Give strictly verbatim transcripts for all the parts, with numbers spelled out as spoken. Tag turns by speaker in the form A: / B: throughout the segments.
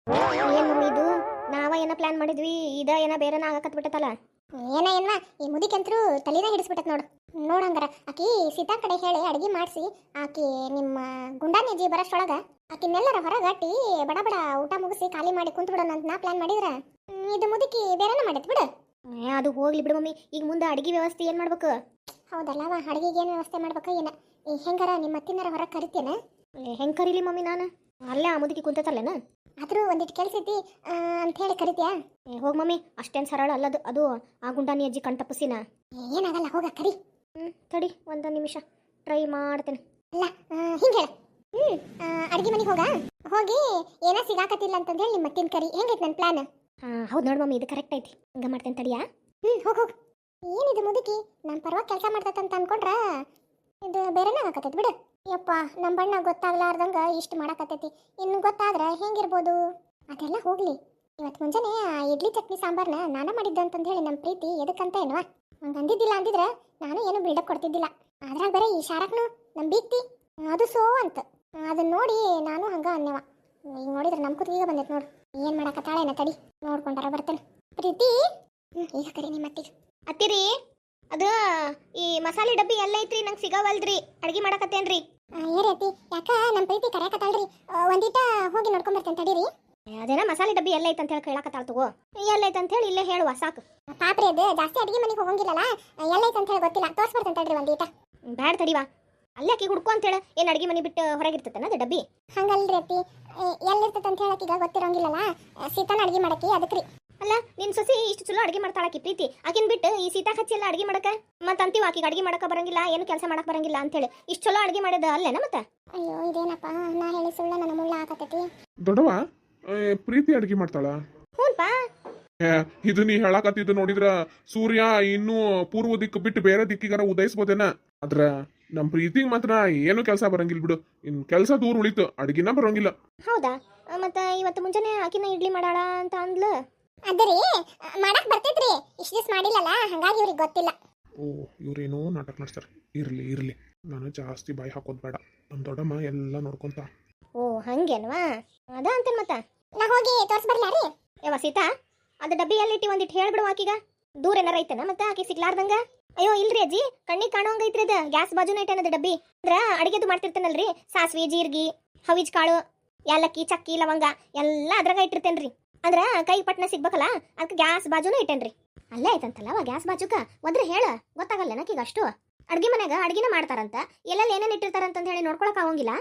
A: ಏನ್ ಮಮ್ಮಿ ಇದು? ನಾವ ಏನ ಪ್ಲಾನ್ ಮಾಡಿದ್ವಿ, ಇದ ಏನ ಬೇರೆನ ಆಗಕತ್ ಬಿಟ್ಟತಲ್ಲ.
B: ಏನ ಏನ್ವಾ ಈ ಮುದಿಕಂತ್ರು ತಲೆನ ಹಿಡಿಸ್ಬಿಟ್ಟತ್ ನೋಡು. ನೋಡಂಗಾರ ಆಕಿ ಸೀತಾ ಕಡೆ ಹೇಳಿ ಅಡಿಗೆ ಮಾಡಿಸಿ ಆಕಿ ನಿಮ್ಮ ಗುಂಡಾನಿಜಿ ಬರೋಷ್ಟೊಳಗ ಆಕಿನೆಲ್ಲರ ಹೊರಗಟ್ಟಿ ಬಡ ಬಡ ಊಟ ಮುಗಿಸಿ ಖಾಲಿ ಮಾಡಿ ಕುಂತ್ ಬಿಡೋಣ ಅಂತ ನಾ ಪ್ಲಾನ್ ಮಾಡಿದ್ರ ಹ್ಮ್, ಇದು ಮುದುಕಿ ಬೇರೆನ ಮಾಡಿತ್ ಬಿಡು.
A: ಏ, ಅದು ಹೋಗ್ಲಿ ಬಿಡು ಮಮ್ಮಿ. ಈಗ ಮುಂದೆ ಅಡಿಗೆ ವ್ಯವಸ್ಥೆ ಏನ್ ಮಾಡ್ಬೇಕು?
B: ಹೌದಲ್ಲವ, ಅಡಿಗೆಗೆ ಏನು ವ್ಯವಸ್ಥೆ ಮಾಡ್ಬೇಕ ಏನ? ಈ ಹೆಂಗಾರ ನಿಮ್ಮ ಅತ್ತಿನಾರ ಹೊರಗೆ ಕರಿತೇನ?
A: ಏ, ಹೆಂಗ್ ಕರೀಲಿ ಮಮ್ಮಿ ನಾನು? ಅಲ್ಲೇ ಆ ಮುದುಕಿ ಕುಂತತಲ್ಲೇನ?
B: ಆದ್ರೂ ಒಂದಿಟ್ಟು ಕೆಲ್ಸ ಐತಿ ಅಂತ ಹೇಳಿ ಕರಿತ್ಯಾ?
A: ಏ, ಹೋಗ್ ಮಮ್ಮಿ, ಅಷ್ಟೇನ್ ಸರಳ ಅಲ್ಲದು. ಅದು ಆ ಗುಂಡಾನಿ ಅಜ್ಜಿ ಕಣ್ತಪ್ಪಸಿನ.
B: ಏನಾಗಲ್ಲ, ಹೋಗ ಕರಿ.
A: ಹ್ಮ್, ತಡಿ ಒಂದ ನಿಮಿಷ ಟ್ರೈ ಮಾಡ್ತೇನೆ.
B: ಅಲ್ಲ ಹಿಂಗ ಹೇಳ. ಹ್ಮ್ ಅಡಿಗೆ ಮನೆಗೆ ಹೋಗ ಹೋಗಿ ಏನ ಸಿಗಾಕತ್ತಿಲ್ಲ ಅಂತಂದ ಹೇಳಿ ನಿಮ್ಮ ಅತ್ತಿನ ಕರಿ. ಹೆಂಗೈತಿ ನನ್ನ ಪ್ಲಾನ್?
A: ಹಾ, ಹೌದು ನೋಡ್ ಮಮ್ಮಿ, ಇದು ಕರೆಕ್ಟ್ ಐತಿ. ಹಂಗ ಮಾಡ್ತೇನೆ ತಡಿಯಾ.
B: ಹ್ಮ್ ಹೋಗ್ ಹೋಗ್. ಏನಿದು ಮುದುಕಿ ನಮ್ಮ ಪರವಾಗಿ ಕೆಲಸ ಮಾಡ್ತೈತಂತ ಅನ್ಕೊಂಡ್ರ ಇದು ಬೇರೆನ ಆಗಕತ್ತೈತಿ ಬಿಡು. ಯಪ್ಪ, ನಮ್ಮ ಬಣ್ಣ ಗೊತ್ತಾಗ್ಲಾರ್ದಂಗ ಇಷ್ಟು ಮಾಡಕತ್ತೈತಿ. ಇನ್ನು ಗೊತ್ತಾದ್ರ ಹೆಂಗಿರ್ಬೋದು? ಅದೆಲ್ಲ ಹೋಗ್ಲಿ. ಇವತ್ತು ಮುಂಜಾನೆ ಆ ಇಡ್ಲಿ ಚಟ್ನಿ ಸಾಂಬಾರ್ನ ನಾನ ಮಾಡಿದ್ದೆ ಅಂತಂದು ಹೇಳಿ ನಮ್ಮ ಪ್ರೀತಿ ಎದಕ್ಕಂತ ಏನವಾ ಹಂಗೆ ಅಂದಿದ್ದಿಲ್ಲ ಅಂದಿದ್ರೆ ನಾನು ಏನು ಬಿಲ್ಡಪ್ ಕೊಡ್ತಿದ್ದಿಲ್ಲ. ಅದ್ರಾಗ ಬೇರೆ ಈ ಶಾರಕ್ನು ನಮ್ಮ ಬೀಕ್ತಿ ಅದು ಸೋ ಅಂತ ಅದನ್ನ ನೋಡಿ ನಾನು ಹಂಗ ಅನ್ನೆವ. ಈಗ ನೋಡಿದ್ರೆ ನಮ್ಮ ಕುತ್ತಿಗೆ ಬಂದೈತೆ ನೋಡು. ಏನು ಮಾಡಕತ್ತಾಳೇನ ತಡಿ ನೋಡ್ಕೊಂಡಾರ ಬರ್ತೇನೆ. ಪ್ರೀತಿ ಹ್ಞೂ ಈಗ ಕರಿ ನಿಮ್ಮ ಅತ್ತಿಗೆ.
A: ಅತ್ತಿರಿ, ಅದು ಈ ಮಸಾಲೆ ಡಬ್ಬಿ ಎಲ್ಲ ಐತ್ರಿ, ನಂಗೆ ಸಿಗವಲ್ದ್ರಿ. ಅಡ್ಗೆ ಮಾಡಕತ್ತೇನ್ರಿ.
B: ಏರೈತಿ ಯಾಕ ನಮ್ಮ ಪ್ರೀತಿ ಕರೆಯಕತ್ತಾಳ್ರಿ. ಒಂದಿಟ ಹೋಗಿ ನೋಡ್ಕೊಂಡ್ ಬರ್ತೇನೆ ತಡೀರಿ.
A: ಅದೇನ ಮಸಾಲೆ ಡಬ್ಬಿ ಎಲ್ಲ ಐತೆ ಅಂತ ಹೇಳಿ ಕೇಳಕತ್ತಾಳ. ತಗೋ, ಎಲ್ಲ ಐತೆ ಅಂತ ಹೇಳಿ ಇಲ್ಲೇ ಹೇಳುವ ಸಾಕು.
B: ಪಾಪ್ರಿ ಅದು ಜಾಸ್ತಿ ಅಡಿಗೆ ಮನೆಗೆ ಹೋಗಂಗಿಲ್ಲಲ್ಲ, ಎಲ್ಲೈತೆ ಅಂತ ಹೇಳಿ ಗೊತ್ತಿಲ್ಲ. ತೋರ್ಸ್ ಬರ್ತೇನೆ ತಡ್ರಿ ಒಂದೀಟ.
A: ಬ್ಯಾಡ ತಡಿವಾ, ಅಲ್ಲೇ ಆಕಿ ಹುಡ್ಕೊ ಅಂತ ಹೇಳ. ಏನು ಅಡ್ಗೆ ಮನೆ ಬಿಟ್ಟು ಹೊರಗಿರ್ತೈತನ ಅದು ಡಬ್ಬಿ?
B: ಹಂಗಲ್ರಿ ಅತ್ತಿ, ಎಲ್ಲಿರ್ತೈತೆ ಅಂತ ಹೇಳಕ್ ಈಗ ಗೊತ್ತಿರೋಂಗಿಲ್ಲಲ್ಲ. ಸೀತಾನ ಅಡಿಗೆ ಮಾಡಕ್ಕೆ ಅದಕ್ಕೆ ರೀ.
A: ಅಲ್ಲ, ನಿನ್ ಸೊಸಿ ಇಷ್ಟು ಚಲೋ ಅಡಿಗೆ ಮಾಡ್ತಾಳಾಕಿ ಪ್ರೀತಿ. ಆಕಿನ್ ಬಿಟ್ಟು ಈ ಸೀತಾ ಹಚ್ಚಿ ಎಲ್ಲ ಅಡಿಗೆ ಮಾಡಕ ಮತ್ತೆ ಅಂತೀವ ಆಕಿಗೆ ಅಡಿಗೆ ಮಾಡಕ ಬರಂಗಿಲ್ಲ, ಏನು ಕೆಲಸ ಮಾಡಕ್ ಬರಂಗಿಲ್ಲ ಅಂತ ಹೇಳಿ. ಇಷ್ಟು ಚಲೋ ಅಡಿಗೆ ಮಾಡಿದ ಅಲ್ಲೇನ ಮತ್ತೆ?
B: ಅಯ್ಯೋ ಇದೇನಪ್ಪ, ನಾ ಹೇಳಿ ಸುಳ್ಳ ನನ್ನ ಮುಳ್ಳ ಹಾಕತೈತಿ.
C: ದೊಡ್ಡವ ಏ, ಪ್ರೀತಿ ಅಡಿಗೆ ಮಾಡ್ತಾಳ?
A: ಹ್ಞೂನ್ಪಾ.
C: ಏ, ಇದು ನೀ ಹೇಳಕತ್ತಿದ್ದು ನೋಡಿದ್ರ ಸೂರ್ಯ ಇನ್ನೂ ಪೂರ್ವ ದಿಕ್ಕು ಬಿಟ್ಟು ಬೇರೆ ದಿಕ್ಕಿಗಾರ ಉದಯಿಸ್ಬೋದೇನ. ಆದ್ರ ನಮ್ ಪ್ರೀತಿಗ್ ಮಾತ್ರ ಏನು ಕೆಲಸ ಬರಂಗಿಲ್ಲ ಬಿಡು. ಇನ್ ಕೆಲಸ ದೂರ ಉಳಿತು, ಅಡಿಗೆನ ಬರಂಗಿಲ್ಲ.
A: ಹೌದಾ? ಮತ್ತೆ ಇವತ್ತು ಮುಂಜಾನೆ ಆಕಿನ ಇಡ್ಲಿ ಮಾಡಾಳ ಅಂತ ಅಂದ್ಲು.
B: ಅದರಿ ಮಾಡಕ್ ಬರ್ತೈತ್ರಿ, ಇಷ್ಟು ದಿವಸ ಮಾಡಿಲ್ಲಲ್ಲ ಹಂಗಾಗಿ ಇವ್ರಿಗೆ ಗೊತ್ತಿಲ್ಲ.
C: ಓ, ಇವ್ರೇನೋ ನಾಟಕ ನಡೆಸ್ತಾರೆ. ಇರ್ಲಿ ಇರ್ಲಿ, ನಾನು ಜಾಸ್ತಿ ಬಾಯಿ ಹಾಕೋದ್ ಬೇಡ. ನಮ್ ದೊಡ್ಡಮ್ಮ ಎಲ್ಲ ನೋಡ್ಕೊಂತ.
A: ಓ, ಹಂಗೇನ್ವಾ? ಅದ ಅಂತೇನ್ ಮತ್ತ.
B: ನಾ ಹೋಗಿ ತೋರ್ಸ್ ಬರ್ಲಾ ರೀ?
A: ಯಾವ ಸೀತಾ, ಅದು ಡಬ್ಬಿ ಎಲ್ಲಿಟ್ಟಿ ಒಂದಿಟ್ಟು ಹೇಳ್ಬಿಡು ಆಕಿಗ. ದೂರ ಏನಾರ ಐತನ ಮತ್ತೆ ಆಕಿ ಸಿಗ್ಲಾರ್ದಂಗ? ಅಯ್ಯೋ ಇಲ್ರಿ ಅಜ್ಜಿ, ಕಣ್ಣಿಗೆ ಕಾಣೋಂಗ ಐತ್ರಿ ಅದ. ಗ್ಯಾಸ್ ಬಾಜುನ ಐತನದ ಡಬ್ಬಿ. ಅಂದ್ರ ಅಡಿಗೆದು ಮಾಡ್ತಿರ್ತೇನಲ್ರಿ, ಸಾಸ್ವಿ ಜೀರ್ಗಿ ಹವಿಜ್ ಕಾಳು ಯಾಲಕ್ಕಿ ಚಕ್ಕಿ ಲವಂಗ ಎಲ್ಲ ಅದ್ರಾಗ ಇಟ್ಟಿರ್ತೇನ್ರಿ. ಅಂದ್ರ ಕೈ ಪಟ್ನ ಸಿಗ್ಬೇಕಲ್ಲ, ಅದಕ್ಕೆ ಗ್ಯಾಸ್ ಬಾಜುನ ಇಟ್ಟೇನ್ರಿ. ಅಲ್ಲೇ ಐತಂತಲ್ಲವ ಗ್ಯಾಸ್ ಬಾಜುಕ. ಒದ್ರೆ ಹೇಳ, ಗೊತ್ತಾಗಲ್ಲ ನಕೀಗ ಅಷ್ಟು. ಅಡ್ಗೆ ಮನ್ಯಾಗ ಅಡ್ಗಿನ ಮಾಡ್ತಾರಂತ, ಎಲ್ಲೆಲ್ಲಿ ಏನೇನು ಇಟ್ಟಿರ್ತಾರಂತ ಹೇಳಿ ನೋಡ್ಕೊಳಕ್ ಆಗಂಗಿಲ್ಲ.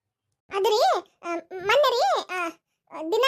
B: ಅದ್ರಿ ಮೊನ್ನೆ ರೀ ದಿನ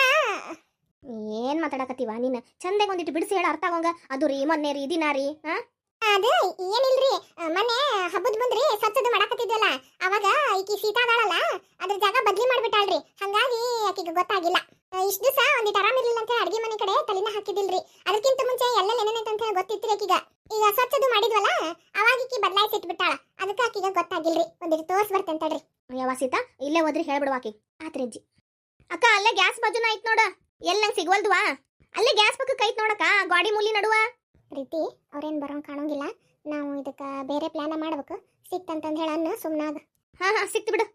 A: ಏನ್ ಮಾತಾಡಕತ್ತೀವ ನೀನ್? ಚಂದಾಗ ಒಂದಿಟ್ಟು ಬಿಡಿಸಿ ಹೇಳ, ಅರ್ಥ ಆಗಂಗ. ಅದು ರೀ ಮೊನ್ನೆ ರೀ ದಿನ ರೀ. ಹಾ,
B: ಅದು ಏನಿಲ್ರಿ, ಮೊನ್ನೆ ಹಬ್ಬದ ಮುಂದ್ರಿ ಸ್ವಚ್ಛದು ಮಾಡಾಕತ್ತಿದ್ವಲ್ಲ, ಅವಾಗ ಈಕಿ ಸೀತಾ ಅದಾಳಲ್ಲ ಅದ್ರ ಜಾಗ ಬದ್ಲಿ ಮಾಡ್ಬಿಟ್ಟಾಳ್ರಿ. ಹಂಗಾಗಿ ಆಕಿಗೆ ಗೊತ್ತಾಗಿಲ್ಲ. ಇಷ್ಟು ದಿವಸ ಒಂದಿಟ್ಟು ಆರಾಮಿರ್ಲಿಲ್ಲ ಅಂತ ಹೇಳಿ ಅಡಿಗೆ ಮನೆ ಕಡೆ ತಲೆನ ಹಾಕಿದಿಲ್ರಿ. ಅದಕ್ಕಿಂತ ಮುಂಚೆ ಎಲ್ಲ ಏನೇನೈತೆ ಅಂತ ಹೇಳಿ ಗೊತ್ತಿತ್ರಿ ಆಕಿಗ. ಈಗ ಸ್ವಚ್ಛದು ಮಾಡಿದ್ವಲ್ಲ ಅವಾಗ ಈಕಿ ಬದಲಾಯಿಸಿ ಇಟ್ಬಿಟ್ಟಾಳ. ಅದಕ್ಕೆ ಆಕಿಗ ಗೊತ್ತಾಗಿಲ್ರಿ. ಒಂದಿಟ್ಟು ತೋರ್ಸ್ ಬರ್ತೇನೆ ತಡ್ರಿ.
A: ಯಾವ ಸೀತಾ, ಇಲ್ಲೇ ಹೋದ್ರಿ ಹೇಳ್ಬಿಡುವ ಆಕಿ. ಆತ್ರಿ ಅಜ್ಜಿ. ಅಕ್ಕ, ಅಲ್ಲೇ ಗ್ಯಾಸ್ ಬಾಜುನ ಐತ್ ನೋಡ. ಎಲ್ಲಿ ನಂಗೆ ಸಿಗ್ವಲ್ದುವಾ? ಅಲ್ಲೇ ಗ್ಯಾಸ್ ಪಕ್ಕಕ್ಕೆ ಐತ್ ನೋಡಕ್ಕ, ಗಾಡಿ ಮೂಲಿ ನಡುವ.
B: ಪ್ರೀತಿ ಅವ್ರೇನ್ ಬರೋಂಗ್ ಕಾಣೋಂಗಿಲ್ಲ. ನಾವು ಇದಕ್ಕ ಬೇರೆ ಪ್ಲಾನ ಮಾಡ್ಬೇಕು. ಸಿಕ್ತಂತಂದ್ ಹೇಳನ್ನ ಸುಮ್ನಾಗ.
A: ಹಾ ಹಾ, ಸಿಕ್ತು ಬಿಡು.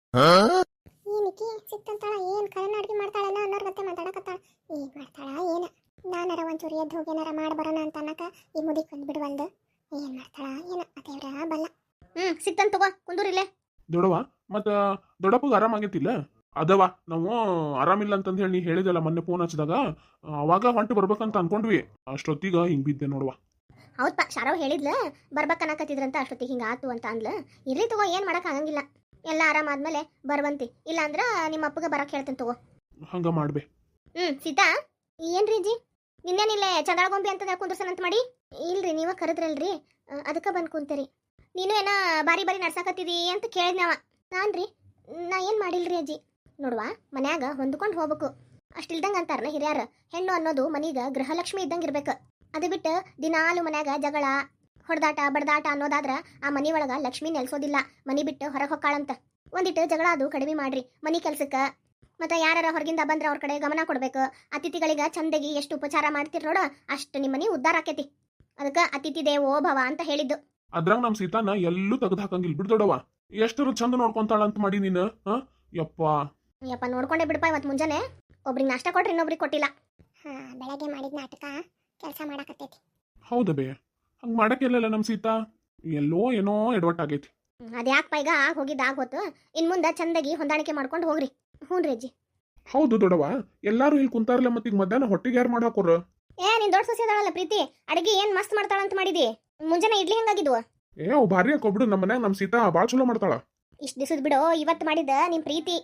B: ಏನಿಕಿ ಸಿಕ್ತಂತಾಳ, ಏನ್ ಕರೆನ ಅಡ್ಗೆ ಮಾಡ್ತಾಳನ ಅನ್ನೋರ್ ಗತ್ತೆ ಮಾತಾಡಕತ್ತಾಳ. ಏನ್ ಮಾಡ್ತಾಳ ಏನ? ನಾನರ ಒಂಚೂರು ಎದ್ದು ಹೋಗಿ ಏನಾರ ಮಾಡಿ ಬರೋಣ ಅಂತ ಅನ್ನಕ ಈ ಮುದಿಕ್ ಬಂದ್ ಬಿಡುವಲ್ದು. ಏನ್ ಮಾಡ್ತಾಳ ಏನ ಅದೇವ್ರ ಬಲ್ಲ.
A: ಹ್ಮ್, ಸಿಕ್ತಂತ ತಗೋ, ಕುಂದೂರಿಲ್ಲೇ.
C: ದೊಡವ ಮತ್ತ ದೊಡ್ಡಪ್ಪಗ ಆರಾಮಾಗೈತಿಲ್ಲ? ಅದವ, ನಾವು ಆರಾಮಿಲ್ಲ ಅಂತಂದ್ ಹೇಳಿ ನೀ ಹೇಳಿದಲ್ಲ ಮೊನ್ನೆ ಫೋನ್ ಹಚ್ಚಿದಾಗ, ಅವಾಗ ಹೊಂಟು ಬರ್ಬೇಕಂತ ಅನ್ಕೊಂಡ್ವಿ. ಅಷ್ಟೊತ್ತಿಗ ಹಿಂಗ್ ಬಿದ್ದೆ ನೋಡುವ.
A: ಹೌದಪ್ಪ, ಶಾರವ್ ಹೇಳಿದ್ಲ ಬರ್ಬೇಕನ್ನಕತ್ತಿದ್ರಂತ. ಅಷ್ಟೊತ್ತಿಗೆ ಹಿಂಗ ಆತು ಅಂತ ಅಂದ್ಲ. ಇರ್ಲಿ ತಗೋ, ಏನ್ ಮಾಡಕ್ ಆಗಂಗಿಲ್ಲ. ಎಲ್ಲ ಆರಾಮಾದ್ಮೇಲೆ ಬರ್ವಂತಿ. ಇಲ್ಲ ಅಂದ್ರ ನಿಮ್ಮ ಅಪ್ಪಗ ಬರಕ್ ಹೇಳ್ತೇನೆ ತಗೋ.
C: ಹಂಗ ಮಾಡ್ಬೆ.
A: ಹ್ಮ್, ಸೀತಾ ಏನ್ರಿ ಜಿ, ನಿನ್ನೇನಿಲ್ಲೇ ಚಂದಾಳಗೊಂಬಿ ಅಂತ ಕುಂದ್ರಸನಂತ ಮಾಡಿ? ಇಲ್ರಿ, ನೀವ ಕರೆದ್ರಲ್ರಿ, ಅದಕ್ಕೆ ಬಂದ್ ಕುಂತೇರಿ. ನೀನು ಏನ ಬಾರಿ ಬಾರಿ ನಡ್ಸಾಕತ್ತಿದಿ ಅಂತ ಕೇಳಿದ್ನವ. ನಾನ್ರಿ ನಾ ಏನ್ ಮಾಡಿಲ್ರಿ ಅಜ್ಜಿ. ನೋಡುವ, ಮನ್ಯಾಗ ಹೊಂದ್ಕೊಂಡು ಹೋಗ್ಬೇಕು. ಅಷ್ಟಿಲ್ದಂಗ ಅಂತಾರನ ಹಿರಿಯಾರ, ಹೆಣ್ಣು ಅನ್ನೋದು ಮನೀಗ ಗೃಹಲಕ್ಷ್ಮಿ ಇದ್ದಂಗ ಇರ್ಬೇಕು. ಅದು ಬಿಟ್ಟು ದಿನಾಲು ಮನ್ಯಾಗ ಜಗಳ ಹೊಡೆದಾಟ ಬಡದಾಟ ಅನ್ನೋದಾದ್ರ ಆ ಮನಿ ಒಳಗ ಲಕ್ಷ್ಮಿ ನೆಲೆಸೋದಿಲ್ಲ. ಮನಿ ಬಿಟ್ಟು ಹೊರಗೆ ಹೊಕ್ಕಾಳಂತ. ಒಂದಿಟ್ಟು ಜಗಳ ಅದು ಕಡಿಮೆ ಮಾಡ್ರಿ ಮನಿ ಕೆಲ್ಸಕ್ಕ. ಮತ್ತೆ ಯಾರ ಹೊರಗಿಂದ ಬಂದ್ರೆ ಅವ್ರ ಕಡೆ ಗಮನ ಕೊಡ್ಬೇಕು. ಅತಿಥಿಗಳಿಗೆ ಚಂದಗಿ ಎಷ್ಟು ಉಪಚಾರ ಮಾಡ್ತಿರ್ ನೋಡ, ಅಷ್ಟು ನಿಮ್ಮನಿ ಉದ್ಧಾರ ಆಕೇತಿ. ಅದಕ್ಕೆ ಅತಿಥಿ ದೇವೋ ಭವ ಅಂತ ಹೇಳಿದ್ದು.
C: ಅದ್ರಾಗ ನಮ್ ಸೀತಾನ ಎಲ್ಲೂ ತೆಗೆದು ಹಾಕಂಗಿಲ್ಲ ಬಿಡ್ ದೊಡವ. ಎಷ್ಟರು ಚಂದ ನೋಡ್ಕೊಂತಾಳ ಅಂತ ಮಾಡಿ ನೀನು. ಹ ಯಪ್ಪ
A: ಯಪ್ಪ, ನೋಡ್ಕೊಂಡೆ ಬಿಡಪ್ಪ. ಇವತ್ತು ಮುಂಜಾನೆ ಒಬ್ರಿಗೆ ನಾಷ್ಟ ಕೊಟ್ರೆ ಇನ್ನೊಬ್ರಿಗೆ ಕೊಟ್ಟಿಲ್ಲ.
B: ಹಾ ಬೆಳಗ್ಗೆ ಮಾಡಿದ ನಾಟಕ ಕೆಲಸ ಮಾಡಾಕತ್ತೈತಿ.
C: ಹೌದ ಬೇ ಹಂಗೆ ಮಾಡಕ್ಕಿಲ್ಲಲ್ಲ ನಮ್ಮ ಸೀತಾ. ಎಲ್ಲೋ ಏನೋ ಎಡವಟ್ಟಾಗೈತಿ.
A: ಅದ್ಯಾಕಪ್ಪ ಈಗ ಆಗ ಹೋಗಿದ್ದು ಆಗ ಹೋತು. ಇನ್ನು ಮುಂದೆ ಚಂದಾಗಿ ಹೊಂದಾಣಿಕೆ ಮಾಡ್ಕೊಂಡು ಹೋಗ್ರಿ. ಹ್ಞೂ ರೀ ಅಜ್ಜಿ.
C: ಹೌದು ದೊಡವ, ಎಲ್ಲಾರು ಇಲ್ಲಿ ಕುಂತಾರಲ್ಲ ಮತ್ತೆ ಈಗ ಮಧ್ಯಾಹ್ನ ಹೊಟ್ಟಿಗೆ ಯಾರು ಮಾಡಾಕೋರ?
A: ಏ ನಿನ್ ದೊಡ್ಡ ಸೊಸೆ ಅದಾಳಲ್ಲ ಪ್ರೀತಿ, ಅಡಿಗೆ ಏನ್ ಮಸ್ತ್ ಮಾಡ್ತಾಳಂತ ಮಾಡಿದಿ. ಮುಂಜಾನೆ ಇಡ್ಲಿ ಹೆಂಗಾಗಿದ್ವು?
C: ಏ ಅವ್ ಭಾರಿ ಹಾಕೊಬಿಡು. ನಮ್ಮ ಮನ್ಯಾಗ ನಮ್ಮ ಸೀತಾ ಭಾಳ ಚಲೋ ಮಾಡ್ತಾಳ.
A: ಇಷ್ಟು ದಿವಸದ ಬಿಡು, ಇವತ್ತು ಮಾಡಿದ ನಿಮ್ ಪ್ರೀತಿ.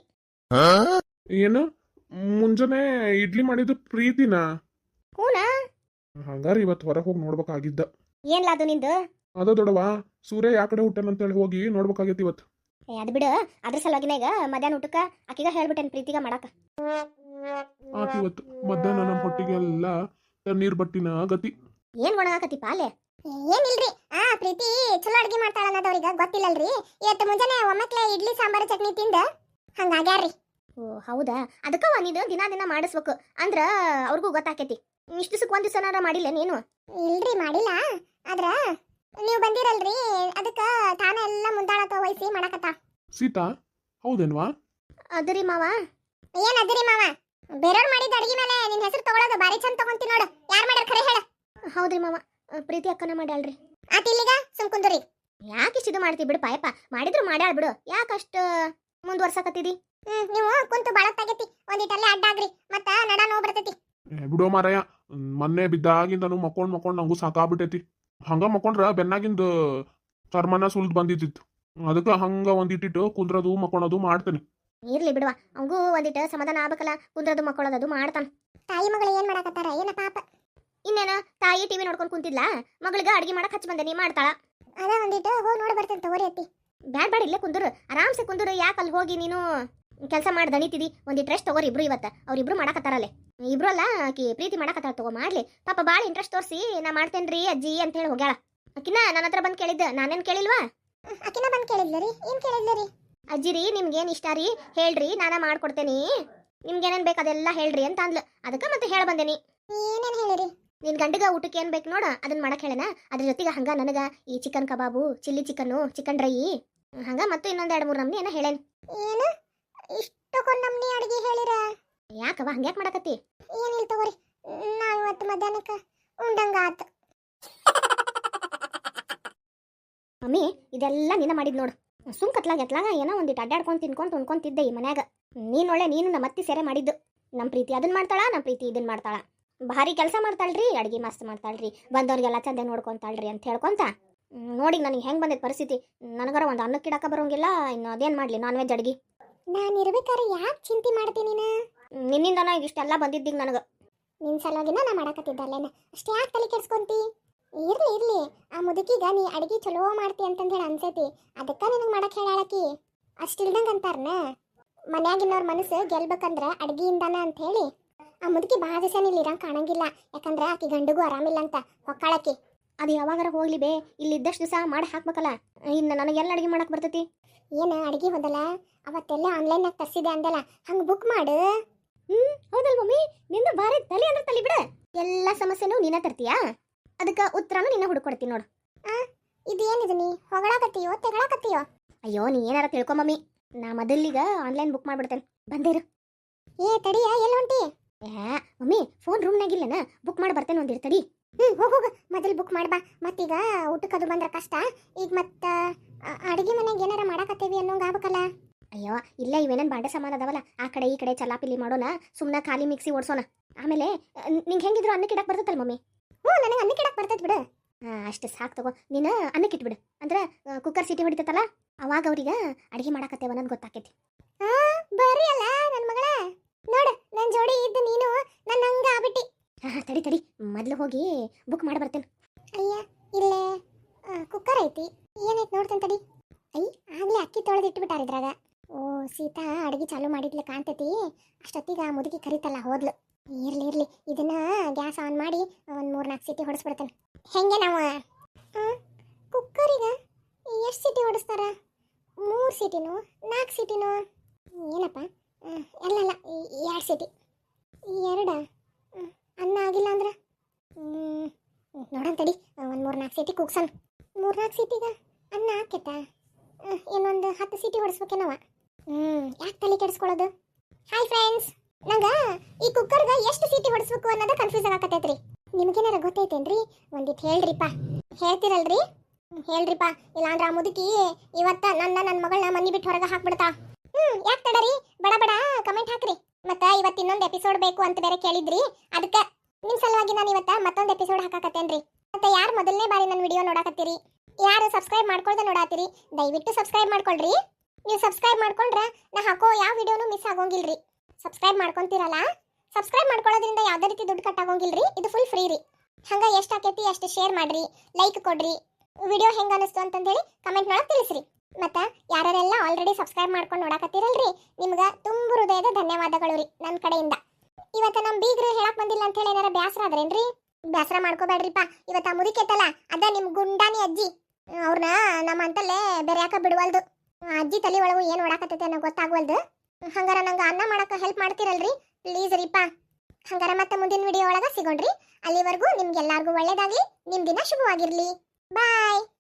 C: ಏನು ಮುಂಜಾನೆ ಇಡ್ಲಿ ಮಾಡಿದ್ದು ಪ್ರೀತಿನ?
A: ಹೂನಾ?
C: ಹಂಗಾರ ಇವತ್ತು ಹೊರಗೆ ಹೋಗಿ ನೋಡ್ಬೇಕಾಗಿದ್ದ.
A: ಏನ್ಲಾ ಅದು ನಿಂದು?
C: ಅದ ದೊಡವ, ಸೂರ್ಯ ಯಾ ಕಡೆ ಹುಟ್ಟನಂತೇಳಿ ಹೋಗಿ ನೋಡ್ಬೇಕಾಗೈತಿ ಇವತ್ತು.
A: ಏ ಅದು ಬಿಡು, ಅದ್ರ ಸಲುವಾಗಿನ ಈಗ ಮಧ್ಯಾಹ್ನ ಊಟಕ್ಕ ಆಕಿಗ ಹೇಳ್ಬಿಟ್ಟೇನ್ ಪ್ರೀತಿಗ ಮಾಡಾಕ.
C: ಆತ ಇವತ್ತು ಮಧ್ಯಾಹ್ನ ನಮ್ಮ ಹೊಟ್ಟಿಗೆಲ್ಲ ತಣ್ಣೀರ್ ಬಟ್ಟಿನ ಗತಿ.
A: ಏನ್ ಒಣಗಾಕತಿ ಪಾಲೆ?
B: ಏನಿಲ್ರಿ, ಆ ಪ್ರೀತಿ ಚಲೋ ಅಡ್ಗೆ ಮಾಡ್ತಾಳ ಅನ್ನೋದವ್ರಿಗೆ ಗೊತ್ತಿಲ್ಲಲ್ರಿ. ಇವತ್ತು ಮುಂಜಾನೆ ಒಮ್ಮಕ್ಲೆ ಇಡ್ಲಿ ಸಾಂಬಾರು ಚಟ್ನಿ ತಿಂದ ಹಂಗಾಗ್ಯಾರ್ರಿ.
A: ಓ ಹೌದಾ, ಅದಕ್ಕವ ನೀನು ದಿನ ದಿನ ಮಾಡಿಸ್ಬೇಕು ಅಂದ್ರ ಅವ್ರಿಗೂ ಗೊತ್ತಾಕೇತಿ. ಇಷ್ಟು ದಿವಸಕ್ಕೆ ಒಂದ್ ದಿವಸನಾರ ಮಾಡಿಲ್ಲ ನೀನು?
B: ಇಲ್ರಿ ಮಾಡಿಲ್ಲ, ಆದ್ರ ನೀವು ಬಂದಿರಲ್ರಿ ಅದಕ್ಕ ತಾನ ಎಲ್ಲ ಮುಂದಾಳಕ ವಹಿಸಿ ಮಾಡಕತ್ತ.
C: ಸೀತಾ ಹೌದೇನ್ವಾ?
A: ಅದರಿ ಮಾವ.
B: ಏನ್ ಅದಿರಿ ಮಾವ, ಬೇರೆಯವ್ರು ಮಾಡಿದ ಅಡಿಗೆ ಮೇಲೆ ನಿನ್ ಹೆಸರು ತಗೊಳೋದು ಬಾರಿ ಚಂದ ತಗೊಂತಿ ನೋಡು. ಯಾರ್ ಮಾಡ್ಯಾರ ಖರೆ ಹೇಳ?
A: ಹೌದ್ರಿ ಮಾವ, ಪ್ರೀತಿ ಅಕ್ಕನ ಮಾಡ್ಯಾಳ್ರಿ.
B: ಆತ ಇಲ್ಲಿಗ ಸುಮ್ ಕುಂದ್ರಿ.
A: ಯಾಕೆ ಇಷ್ಟು ಇದು ಮಾಡ್ತಿ ಬಿಡು ಪಾಯಪ್ಪ, ಮಾಡಿದ್ರು ಮಾಡ್ಯಾಳ ಬಿಡು. ಯಾಕಷ್ಟ ಮುಂದುವರ್ಸಕತ್ತಿದಿ?
B: ಹ್ಮ್ ನೀವು ಕುಂತು ಬಾಳತ್ತಾಗೈತಿ, ಒಂದಿಟ್ಟಲ್ಲೇ ಅಡ್ಡಾಗ್ರಿ ಮತ್ತ ನಡ ನೋವು ಬರ್ತೈತಿ.
C: ಬಿಡೋ ಮಾರಾಯ, ಮೊನ್ನೆ ಬಿದ್ದಾಗಿಂದನು ಮಕ್ಕೊಂಡ್ ಮಕ್ಕೊಂಡ್ ನಂಗೂ ಸಾಕಾಗ್ಬಿಟ್ಟೈತಿ. ಹಂಗ ಮಕ್ಕೊಂಡ್ರ ಬೆನ್ನಾಗಿಂದ ಚರ್ಮನ ಸುಲ್ದ್ ಬಂದಿದ್ದಿತ್ತು. ಅದಕ್ಕ ಹಂಗ ಒಂದಿಟ್ಟಿಟ್ಟು ಕುಂದ್ರದು ಮಕ್ಕೊಳೋದು ಮಾಡ್ತೇನೆ.
A: ಇರ್ಲಿ ಬಿಡುವ, ಅವಂಗೂ ಒಂದಿಟ ಸಮಾಧಾನ ಆಗ್ಬೇಕಲ್ಲ. ಕುಂದ್ರದು ಮಕ್ಕಳೋದು ಮಾಡ್ತಾನ.
B: ತಾಯಿ ಮಗಳು ಏನ್ ಮಾಡಕತ್ತಾರ ಏನ ಪಾಪ?
A: ಇನ್ನೇನ ತಾಯಿ ಟಿವಿ ನೋಡ್ಕೊಂಡ್ ಕುಂತಿದ್ಲಾ, ಮಗಳಿಗೆ ಅಡಿಗೆ ಮಾಡಕ್ ಹಚ್ಚ ಬಂದೆ, ನೀ ಮಾಡ್ತಾಳ.
B: ಅದ ಒಂದಿಟ್ಟು ಹೋಗಿ ನೋಡಿ ಬರ್ತೇನೆ ತಗೋರಿ ಅತ್ತಿ.
A: ಬ್ಯಾಡ್ ಬ್ಯಾಡ, ಇಲ್ಲೇ ಕುಂದ್ರು, ಆರಾಮ್ಸೆ ಕುಂದ್ರು. ಯಾಕೆ ಅಲ್ಲಿ ಹೋಗಿ ನೀನು ಕೆಲಸ ಮಾಡಿ ದಣಿತಿದಿ? ಒಂದಿಟ್ಟು ರೆಸ್ಟ್ ತಗೋರಿ ಇಬ್ರು. ಇವತ್ತ ಅವ್ರಿಬ್ರು ಮಾಡಕತ್ತಾರಲ್ಲೇ. ಇಬ್ರು ಅಲ್ಲ, ಆಕಿ ಪ್ರೀತಿ ಮಾಡಕತ್ತಾರ, ತಗೋ ಮಾಡ್ಲಿ. ಪಾಪ ಭಾಳ ಇಂಟ್ರೆಸ್ಟ್ ತೋರಿಸಿ ನಾ ಮಾಡ್ತೇನ್ರಿ ಅಜ್ಜಿ ಅಂತ ಹೇಳಿ ಹೋಗ್ಯಾಳ. ಆಕಿನ ನನ್ನ ಹತ್ರ ಬಂದು ಕೇಳಿದ್ದ, ನಾನೇನ್ ಕೇಳಿಲ್ವಾ?
B: ಆಕಿನ ಬಂದ್ ಕೇಳಿದ್ಲರಿ? ಏನ್ ಕೇಳಿದ್ಲರಿ?
A: ಅಜ್ಜಿ ರೀ ನಿಮ್ಗೇನ್ ಇಷ್ಟ ರೀ ಹೇಳ್ರಿ, ನಾನ ಮಾಡ್ಕೊಡ್ತೇನಿ, ನಿಮ್ಗೇನೇನ್ ಬೇಕು ಅದೆಲ್ಲ ಹೇಳ್ರಿ ಅಂತ ಅಂದ್ಲು. ಅದಕ್ಕೆ ಮತ್ತೆ ಹೇಳ ಬಂದೇನಿ.
B: ಏನೇನ್ ಹೇಳಿರಿ?
A: ನಿನ್ ಗಂಡಗ ಊಟಕ್ಕೆ ಏನ್ ಬೇಕು ನೋಡ ಅದನ್ನ ಮಾಡಕ್ ಹೇಳನ. ಅದ್ರ ಜೊತೆಗೆ ಹಂಗ ನನಗ ಈ chicken kebab, chilli chicken, chicken dry, ಹಂಗ ಮತ್ತು ಇನ್ನೊಂದ್ ಎರಡು ಮೂರು ನಮ್ನಿ ಏನ ಹೇಳೇನ್.
B: ಏನು ಇಷ್ಟಕ್ಕೊಂದ್ ನಮ್ನಿ ಅಡಿಗೆ ಹೇಳಿರ?
A: ಯಾಕವ ಹಂಗ್ಯಾಕ್ ಮಾಡಕತ್ತಿ?
B: ಏನಿಲ್ಲ ತಗೋರಿ, ನಾ ಇವತ್ತು ಮಧ್ಯಾಹ್ನಕ್ಕ ಉಂಡಂಗ ಆತ.
A: ಮಮ್ಮಿ ಇದೆಲ್ಲ ನಿನ್ನ ಮಾಡಿದ್ ನೋಡು. ಸುಮ್ ಕತ್ಲಾಗ ಎತ್ಲಾಗ ಏನೋ ಒಂದಿಟ್ಟು ಅಡ್ಡಾಡ್ಕೊಂಡು ತಿನ್ಕೊಂಡು ಉಣ್ಕೊಂತಿದ್ದೆ ಈ ಮನ್ಯಾಗ. ನೀನೊಳ್ಳೆ ನೀನು ನಮ್ಮ ಅತ್ತಿ ಸೇರೆ ಮಾಡಿದ್ದು. ನಮ್ಮ ಪ್ರೀತಿ ಅದನ್ನ ಮಾಡ್ತಾಳ, ನಮ್ಮ ಪ್ರೀತಿ ಇದನ್ನ ಮಾಡ್ತಾಳ. ಭಾರಿ ಕೆಲಸ ಮಾಡ್ತಾಳ್ರಿ, ಅಡ್ಗೆ ಮಸ್ತ್ ಮಾಡ್ತಾಳ್ರಿ, ಬಂದವ್ರಿಗೆಲ್ಲ ಚಂದ ನೋಡ್ಕೊಂತಾಳ್ರಿ ಅಂತ ಹೇಳ್ಕೊಂತ ನೋಡಿ ನನಗೆ ಹೆಂಗೆ ಬಂದೈತೆ ಪರಿಸ್ಥಿತಿ. ನನಗರ ಒಂದು ಅನ್ನಕ್ಕೆ ಇಡಾಕ ಬರೋಂಗಿಲ್ಲ, ಇನ್ನು ಅದೇನು ಮಾಡಲಿ ನಾನ್ ವೆಜ್ ಅಡ್ಗೆ.
B: ನಾನು ಇರ್ಬೇಕಾದ್ರೆ ಯಾಕೆ ಚಿಂತೆ ಮಾಡ್ತೀನಿ ನೀನು?
A: ನಿನ್ನಿಂದನ ಇಷ್ಟೆಲ್ಲ ಬಂದಿದ್ದೀಗ ನನಗೆ.
B: ನಿನ್ನ ಸಲುವಾಗಿನ ನಾ ಮಾಡಕತ್ತಿದ್ದಲ್ಲೇನ, ಅಷ್ಟೇ ಯಾಕೆ ತಲೆ ಕೆಡ್ಸ್ಕೊಂತಿ? ಇರ್ಲಿ ಇರ್ಲಿ, ಆ ಮುದುಕಿಗ ನೀ ಅಡಿಗೆ ಚಲೋ ಮಾಡ್ತಿ ಅಂತಂದು ಹೇಳಿ ಅನ್ಸೈತಿ, ಅದಕ್ಕೆ ನಿನಗೆ ಮಾಡಕ್ಕೆ ಹೇಳಾಳಕಿ. ಅಷ್ಟಿಲ್ದಂಗೆ ಅಂತಾರನ, ಮನ್ಯಾಗಿನವ್ರ ಮನಸ್ಸು ಗೆಲ್ಬೇಕಂದ್ರೆ ಅಡ್ಗೆಯಿಂದಾನ ಅಂತ ಹೇಳಿ. ಆ ಮುದುಕಿ ಭಾಳ ದಿವಸ ಇಲ್ಲಿ ಇರಂಗೆ ಕಾಣಂಗಿಲ್ಲ, ಯಾಕಂದ್ರೆ ಆಕಿ ಗಂಡಿಗೂ ಆರಾಮಿಲ್ಲ ಅಂತ ಹೊಕ್ಕಾಳಕಿ.
A: ಅದು ಯಾವಾಗಾರ ಹೋಗ್ಲಿ ಬೇ, ಇಲ್ಲಿ ಇದ್ದಷ್ಟು ದಿವಸ ಮಾಡಿ ಹಾಕ್ಬೇಕಲ್ಲ. ಇನ್ನು ನನಗೆಲ್ಲ ಅಡುಗೆ ಮಾಡಕ್ಕೆ ಬರ್ತೈತಿ?
B: ಏನು ಅಡುಗೆ ಹೋದಲ್ಲ ಅವತ್ತೆಲ್ಲ ಆನ್ಲೈನಾಗ ತರಿಸಿದೆ ಅಂದಲ್ಲ, ಹಂಗೆ ಬುಕ್ ಮಾಡು.
A: ಹ್ಞೂ ಹೌದಲ್ ಮಮ್ಮಿ, ನಿಂದ ಭಾರಿ ತಲೆ ಅಂದ್ರೆ ತಲೆ ಬಿಡ. ಎಲ್ಲ ಸಮಸ್ಯೆನೂ ನೀನ ತರ್ತೀಯಾ, ಅದಕ್ಕೆ ಉತ್ತರನೂ ನಿನ್ನ ಹುಡುಕೊಡ್ತೀನಿ ನೋಡು.
B: ಆ ಇದು ಏನಿದು, ನೀ ಹೊಗಳಾಕತ್ತೀಯೋ ತೆಗಳಾಕತ್ತೀಯೋ?
A: ಅಯ್ಯೋ ನೀ ಏನಾರ ತಿಳ್ಕೊ ಮಮ್ಮಿ, ನಾ ಮೊದಲಿಗ ಆನ್ಲೈನ್ ಬುಕ್ ಮಾಡ್ಬಿಡ್ತೇನೆ, ಬಂದಿರು.
B: ಏ ತಡಿಯ, ಎಲ್ಲಿ ಹೊಂಟಿ?
A: ಏ ಮಮ್ಮಿ ಫೋನ್ ರೂಮ್ನಾಗಿಲ್ಲನ, ಬುಕ್ ಮಾಡಿ ಬರ್ತೇನೆ ಒಂದಿರು ತಡಿ.
B: ಹ್ಞೂ ಹೋಗ ಹೋಗ, ಮೊದಲು ಬುಕ್ ಮಾಡ್ಬಾ. ಮತ್ತೀಗ ಊಟಕ್ಕೆ ಅದು ಬಂದ್ರೆ ಕಷ್ಟ. ಈಗ ಮತ್ತೆ ಅಡುಗೆ ಮನೆಗೆ ಏನಾರ ಮಾಡಾಕತ್ತೀವಿ ಅನ್ನೋಂಗೆ ಆಗ್ಬೇಕಲ್ಲ.
A: ಅಯ್ಯೋ ಇಲ್ಲ, ಇವೇನೇನು ಬಾಂಡೆ ಸಾಮಾನು ಅದಾವಲ್ಲ, ಆ ಕಡೆ ಈ ಕಡೆ ಚಲಾಪಿಲಿ ಮಾಡೋಣ, ಸುಮ್ಮನೆ ಖಾಲಿ ಮಿಕ್ಸಿ ಓಡಿಸೋಣ. ಆಮೇಲೆ ನಿಂಗೆ ಹೆಂಗಿದ್ರು ಅನ್ನಕ್ಕೆ ಇಡಕ್ಕೆ ಬರ್ತೈತಲ್ಲ ಮಮ್ಮಿ?
B: ಹ್ಞೂ ನನಗೆ ಅನ್ನಕ್ಕೆ ಇಡಕ್ಕೆ ಬರ್ತೈತೆ ಬಿಡು.
A: ಹಾಂ ಅಷ್ಟು ಸಾಕು ತಗೋ, ನೀನು ಅನ್ನಕ್ಕೆ ಇಟ್ಬಿಡು. ಅಂದ್ರೆ ಕುಕ್ಕರ್ ಸಿಟಿ ಹೊಡಿತೈತಲ್ಲ, ಅವಾಗ ಅವ್ರಿಗೆ ಅಡುಗೆ ಮಾಡಾಕತ್ತೇವ ಅನ್ನೋದು ಗೊತ್ತಾಕೈತಿ.
B: ಹಾಂ ಬರ್ರಿ ಅಲ್ಲ ನನ್ನ ಮಗಳ, ನೋಡು ನನ್ನ ಜೋಡಿ ಇದ್ದು ನೀನು ನನ್ನ ಹಂಗ ಆಗ್ಬಿಟ್ಟಿ.
A: ಹಾಂ ಹಾಂ ತಡಿ ತಡಿ, ಮೊದಲು ಹೋಗಿ ಬುಕ್ ಮಾಡಿ ಬರ್ತೇನೆ.
B: ಅಯ್ಯ ಇಲ್ಲೇ ಕುಕ್ಕರ್ ಐತಿ, ಏನೈತಿ ನೋಡ್ತೇನೆ ತಡಿ. ಐ ಆಗಲೇ ಅಕ್ಕಿ ತೊಳೆದು ಇಟ್ಬಿಟ್ಟಾರ ಇದ್ರಾಗ. ಓ ಸೀತಾ ಅಡುಗೆ ಚಾಲು ಮಾಡಿದ್ಲು ಕಾಣ್ತೈತಿ. ಅಷ್ಟೊತ್ತಿಗೆ ಆ ಮುದುಕಿ ಕರಿತಲ್ಲ ಹೋದ್ಲು. ಇರ್ಲಿ ಇರ್ಲಿ, ಇದನ್ನ ಗ್ಯಾಸ್ ಆನ್ ಮಾಡಿ ಒಂದು ಮೂರು ನಾಲ್ಕು ಸೀಟಿ ಹೊಡಿಸ್ಬಿಡ್ತೇನೆ. ಹೆಂಗೆ ನಾವು ಕುಕ್ಕರಿಗೆ ಎಷ್ಟು ಸೀಟಿ ಹೊಡಿಸ್ತಾರ? ಮೂರು ಸೀಟಿನೂ ನಾಲ್ಕು ಸೀಟಿನೂ? ಏನಪ್ಪ ಅಲ್ಲಲ್ಲ ಎರಡು ಸೀಟಿ. ಎರಡ ಅನ್ನ ಆಗಿಲ್ಲ ಅಂದ್ರೆ ನೋಡೋಣ ತಡಿ, ಒಂದು ಮೂರು ನಾಲ್ಕು ಸೀಟಿ ಕುಗ್ಸನ್. ಮೂರು ನಾಲ್ಕು ಸೀಟಿಗೆ ಅನ್ನ ಹಾಕೈತಾ? ಇನ್ನೊಂದು ಹತ್ತು ಸೀಟಿ ಹೊಡಿಸ್ಬೇಕೇನವ. ಹ್ಞೂ ಯಾಕೆ ತಲೆ ಕೆಡಿಸ್ಕೊಳ್ಳೋದು? ಹಾಯ್ ಫ್ರೆಂಡ್ಸ್, ನಂಗ ಈ ಕುಕ್ಕರ್ಗ ಎಷ್ಟು ಸೀಟಿ ಹೊಡಿಸ್ಬೇಕು ಅನ್ನೋದ ಕನ್ಫ್ಯೂಸ್ ಆಗಕತ್ತೈತ್ರಿ ನಿಮ್ಗೇನಾರ ಗೊತ್ತೈತೇನ್ರಿ ಒಂದಿಟ್ ಹೇಳ್ರಿಪ್ಪ ಹೇಳ್ತಿರಲ್ರಿ ಹ್ಮ್, ಹೇಳ್ರಿಪ್ಪ ಇಲ್ಲಾಂದ್ರ ಆ ಮುದುಕಿ ಇವತ್ತ ನನ್ನ ನನ್ನ ಮಗಳನ್ನ ಮನಿ ಬಿಟ್ಟು ಹೊರಗೆ ಹಾಕ್ಬಿಡ್ತಾ ಹ್ಮ್ ಯಾಕೆ ತಡರಿ ಬಡ ಬಡ ಕಮೆಂಟ್ ಹಾಕ್ರಿ ಮತ್ತ ಇವತ್ತು ಇನ್ನೊಂದು ಎಪಿಸೋಡ್ ಬೇಕು ಅಂತ ಬೇರೆ ಕೇಳಿದ್ರಿ ಅದಕ್ಕ ನಿಮ್ ಸಲುವಾಗಿ ನಾನು ಇವತ್ತ ಮತ್ತೊಂದು ಎಪಿಸೋಡ್ ಹಾಕಾಕತ್ತೇನ್ರಿ ಮತ್ತೆ ಯಾರು ಮೊದಲನೇ ಬಾರಿ ನನ್ನ ವಿಡಿಯೋ ನೋಡಾಕತ್ತೀರಿ ಯಾರು ಸಬ್ಸ್ಕ್ರೈಬ್ ಮಾಡ್ಕೊಳ್ದೆ ನೋಡಾತೀರಿ ದಯವಿಟ್ಟು ಸಬ್ಸ್ಕ್ರೈಬ್ ಮಾಡ್ಕೊಳ್ರಿ ನೀವು ಸಬ್ಸ್ಕ್ರೈಬ್ ಮಾಡ್ಕೊಂಡ್ರ ನಾ ಹಾಕೋ ಯಾವ ವಿಡಿಯೋನು ಮಿಸ್ ಆಗೋಂಗಿಲ್ರಿ ಸಬ್ಸ್ಕ್ರೈಬ್ ಮಾಡ್ಕೊಂತೀರಲ್ಲ ಸಬ್ಸ್ಕ್ರೈಬ್ ಮಾಡ್ಕೊಳ್ಳೋದ್ರಿಂದ ಯಾವ್ದೇ ರೀತಿ ದುಡ್ಡು ಕಟ್ಟಾಗೋಂಗಿಲ್ರಿ ಇದು ಫುಲ್ ಫ್ರೀ ರೀ ಹಂಗ ಎಷ್ಟು ಆಕೈತಿ ಅಷ್ಟು ಶೇರ್ ಮಾಡ್ರಿ ಲೈಕ್ ಕೊಡ್ರಿ ವಿಡಿಯೋ ಹೆಂಗ ಅನಿಸ್ತು ಅಂತಂದೇಳಿ ಕಮೆಂಟ್ ಒಳಗೆ ತಿಳಿಸ್ರಿ ಮತ್ತ ಯಾರೆಲ್ಲ ಆಲ್ರೆಡಿ ಸಬ್ಸ್ಕ್ರೈಬ್ ಮಾಡ್ಕೊಂಡು ನೋಡಾಕತ್ತೀರಲ್ರಿ ನಿಮ್ಗ ತುಂಬು ಹೃದಯದ ಧನ್ಯವಾದಗಳು ರೀ ನನ್ನ ಕಡೆಯಿಂದ ಇವತ್ತ ನಮ್ ಬೀಗ್ರು ಹೇಳಕ್ ಬಂದಿಲ್ಲ ಅಂತ ಹೇಳಿ ಏನಾರ ಬ್ಯಾಸರ ಆದ್ರೇನ್ರಿ ಬ್ಯಾಸರ ಮಾಡ್ಕೋಬೇಡ್ರಿಪ್ಪ ಇವತ್ತ ಆ ಮುದುಕೆತ್ತಲ್ಲ ಅದ ನಿಮ್ ಗುಂಡಾನಿ ಅಜ್ಜಿ ಅವ್ರನ್ನ ನಮ್ಮ ಅಂತಲ್ಲೇ ಬೇರೆ ಯಾಕ ಬಿಡುವಲ್ದು ಆ ಅಜ್ಜಿ ತಲೆ ಒಳಗು ಏನ್ ಓಡಾಕತ್ತೈತೆ ಅನ್ನೋ ಗೊತ್ತಾಗ್ವಲ್ದು ಹಂಗಾರ ನಂಗೆ ಅನ್ನ ಮಾಡಕ ಹೆಲ್ಪ್ ಮಾಡ್ತಿರಲ್ರಿ ಪ್ಲೀಸ್ ರೀಪ ಹಂಗಾರ ಮತ್ತೆ ಮುಂದಿನ ವಿಡಿಯೋ ಒಳಗ ಸಿಗೋಣ್ರಿ ಅಲ್ಲಿವರೆಗೂ ನಿಮ್ಗೆಲ್ಲಾರ್ಗೂ ಒಳ್ಳೇದಾಗ್ಲಿ ನಿಮ್ ದಿನ ಶುಭವಾಗಿರ್ಲಿ ಬಾಯ್